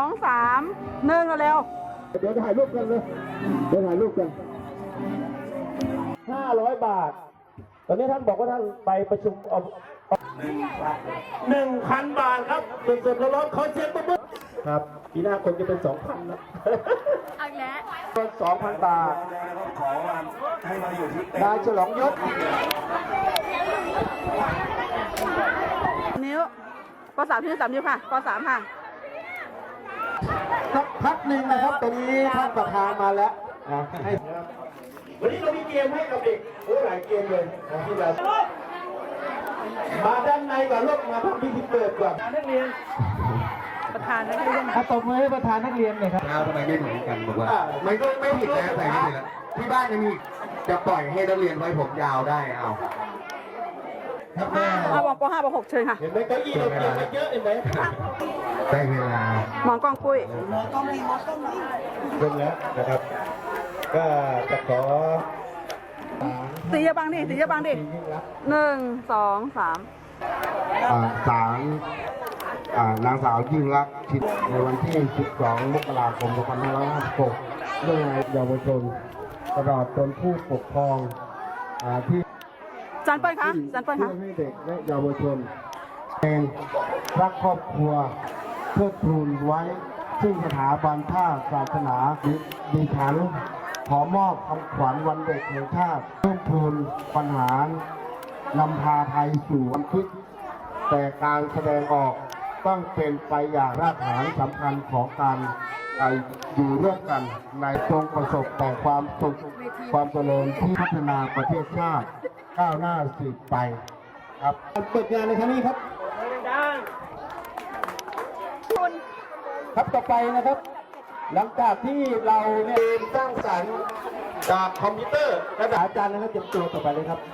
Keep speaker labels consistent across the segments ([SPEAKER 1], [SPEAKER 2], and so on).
[SPEAKER 1] 1เร็ว
[SPEAKER 2] เดี๋ยวถ่ายรูปกันเลยเดี๋ยวถ่ายรูปกัน500 บาทตอนนี้ท่านบอกว่าท่านไปประชุม1,000 บาทครับสดๆร้อนๆขอเสียงปรบมือครับปีหน้าคงจะเป็น 2,000 นะ
[SPEAKER 1] เอาแล้ว
[SPEAKER 2] 2,000 บาทขอให้มาอยู่ที่นายฉลองยศ
[SPEAKER 1] นิ้วป.3 ที่3นิ้วค่ะป.3 ค่ะ
[SPEAKER 2] สักพักหนึ่งนะครับตอนนี้ท่านประธานมาแล้วให้วันนี้เรามีเกมให้กับเด็กหลายเกมเลยที่เรามาด้านในก่อนลูกมาทำพิธีเปิดก่อนนักเรียน
[SPEAKER 1] ประธานนักเรียน
[SPEAKER 2] ตบมือให้ประธานนักเรียนหน่อยครับ
[SPEAKER 3] ทำไมไม่เหมือนกันบอกว่ามันก็ไม่ผิดแล้วแต่ไม่ผิดแล้วที่บ้านยังมีจะปล่อยให้นักเรียนไว้ผมยาวได้เอา
[SPEAKER 1] ครับแม่วป.5 ป.6 เชิญค่ะ
[SPEAKER 2] เห็นไหมเก้าอี้เราเตรียมมาเยอะเห็นไหม
[SPEAKER 3] ได้เวลา
[SPEAKER 1] หมอนกล้องปุ้ย
[SPEAKER 2] เริ่มแล้วนะครับก็จะขอ
[SPEAKER 1] ตีเยอะบังดิตีเยอะบังดิ1 2 3
[SPEAKER 3] ศาลนางสาวยิ่งรักษณ์ชิดในวันที่12 มกราคม 2556เรื่องเยาวชนตลอดจนผู้ปกครองที่
[SPEAKER 1] จันเปิ้ลคะจันเปิ้ลคะ
[SPEAKER 3] ให้เด็กและเยาวชนเองรักครอบครัวเพื่อทูลไว้ซึ่งสถาบันท่าศาสนาดิฉันขอมอบคำขวัญวันเด็กแห่งชาติเพื่อทูลปัญหานำพาไทยสู่วันคิดแต่การแสดงออกต้องเป็นไปอย่างรากฐานสำคัญของการอยู่ร่วมกันในจงประสบแต่ความสุขความเจริญที่พัฒนาประเทศชาติก้าวหน้าสืบไปครับ
[SPEAKER 2] เปิดงานในครั้งนี้ครับครับต่อไปนะครับหลังจากที่เราเนี่ยสร้างสรรค์จากคอมพิวเตอร์ระดับอาจารย์นะครับเตรียมตัวต่อไปเลยครับ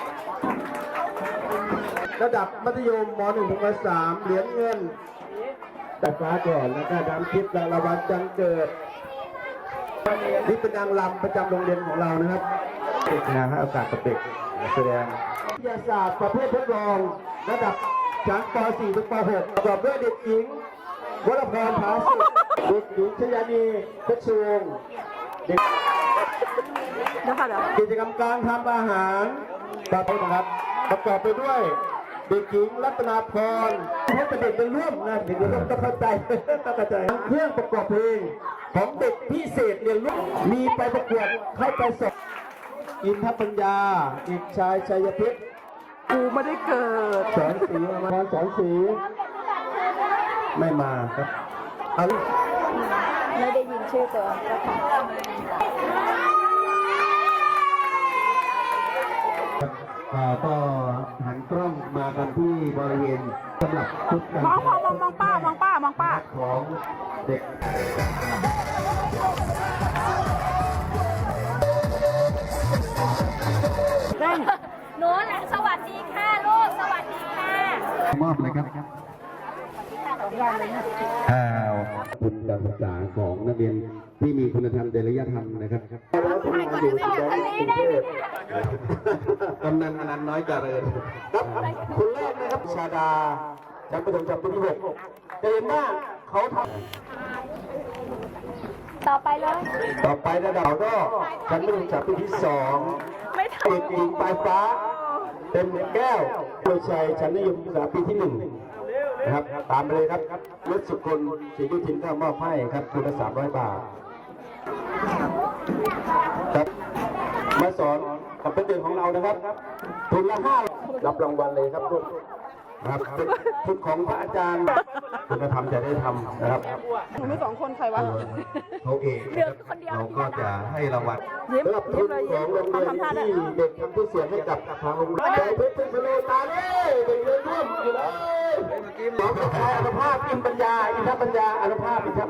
[SPEAKER 2] ระดับมัธยมม.1 ถึงม.3 เหรียญเงินแต่ฟ้าก่อนแล้วก็ดำทิพย์รางวัลจังเกิดนี่เป็นนางรำประจำโรงเรียนของเรานะครับเด็กนะให้โอกาสกับเด็กแสดงวิทยาศาสตร์ประเภททดลองระดับชั้นป .4 ถึงป .6 ประกอบด้วยเด็กหญิงวรพร ผาสุขเด็กหญิงชยานีเพชรวงศ์เด็กกิจกรรมการทำอาหารประเภทนะครับประกอบไปด้วยเด็กหญิงรัตนาพรให้เป็นเด็กเป็นร่วมนะเด็กเป็นร่วมต้องเข้าใจเครื่องประกอบเพลงของเด็กพิเศษเรียนรู้มีไปประกวดเข้าไปสอบอินทปัญญาเด็กชายชัยเพชร
[SPEAKER 1] กูไม่ได้เกิด
[SPEAKER 2] สอนสีมาสอนสีไม่มาครับเอา
[SPEAKER 1] ไม่ได้ยินชื่อตัว
[SPEAKER 3] ก็หันกล้องมากันที่บริเวณสำหรับชุด
[SPEAKER 1] มองป้ามองป้า
[SPEAKER 3] ของเด็ก
[SPEAKER 1] หนูสวัสดีค่ะลูกสวัสดีค่ะ
[SPEAKER 3] มอบเลยครับคุณการศึกษาของนักเรียนที่มีคุณธรรมจริยธรรมนะครับกำนันอนันต์น้อยเจริญ
[SPEAKER 2] ครับคนแรกนะครับชาดาชั้นประถมชั้นปีที่6เห็นว่าเขาท
[SPEAKER 1] ำต่อไป
[SPEAKER 2] ระดับก็ชั้นประถมชั้นปีที่2เด็กหญิงปลายฟ้าเป็นแก้วโดยชัยชั้นมัธยมศึกษาปีที่1นะครับตามไปเลยครับรถสุคนศรียุทินก็มอบให้ครับทุนละ300 บาทครับมาสอนกับเป็นเด็กของเรานะครับทุนละ5รับรางวัลเลยครับทุกครับทุนของพระอาจารย์คุณธรรมจะได้ทำนะครับ
[SPEAKER 1] หนูมี2 คนใครวะ
[SPEAKER 3] เขาเองเราก็จะให้รางวัล
[SPEAKER 2] สำหรับทุนของโรงเรียนที่เด็กทำผู้เสียให้กับทางโรงเรียนใจเพชรพโลตาเล่เด็กเรียนร่วมอยู่เลยหมอสุภาพอินปัญญาอินทปัญญาอนุภาพอินท